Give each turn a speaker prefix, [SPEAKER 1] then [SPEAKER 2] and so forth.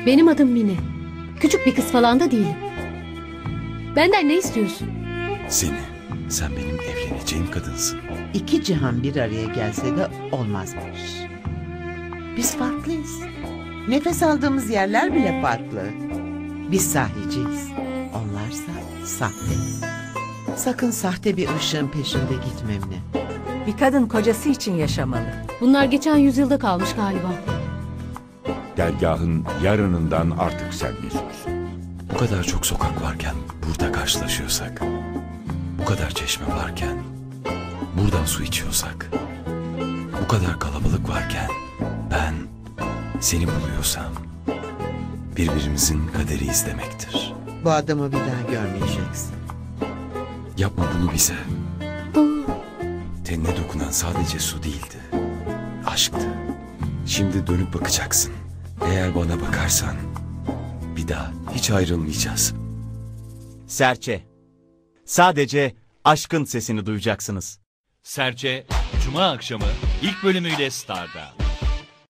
[SPEAKER 1] Benim adım Mine. Küçük bir kız falan da değilim. Benden ne istiyorsun?
[SPEAKER 2] Seni. Sen benim evleneceğim kadınsın.
[SPEAKER 3] İki cihan bir araya gelse de olmazmış. Biz farklıyız. Nefes aldığımız yerler bile farklı. Biz sahiciyiz. Onlarsa sahte. Sakın sahte bir ışığın peşinde gitme Emine.
[SPEAKER 4] Bir kadın kocası için yaşamalı.
[SPEAKER 1] Bunlar geçen yüzyılda kalmış galiba.
[SPEAKER 5] Dergahın yarınından artık sen mesulsün.
[SPEAKER 2] Bu kadar çok sokak varken burada karşılaşıyorsak, bu kadar çeşme varken buradan su içiyorsak, bu kadar kalabalık varken ben seni buluyorsam birbirimizin kaderiyiz demektir.
[SPEAKER 3] Bu adamı bir daha görmeyeceksin.
[SPEAKER 2] Yapma bunu bize. Tenine dokunan sadece su değildi. Aşktı. Şimdi dönüp bakacaksın. Eğer bana bakarsan bir daha hiç ayrılmayacağız.
[SPEAKER 6] Serçe. Sadece aşkın sesini duyacaksınız.
[SPEAKER 7] Serçe, Cuma akşamı ilk bölümüyle Star'da.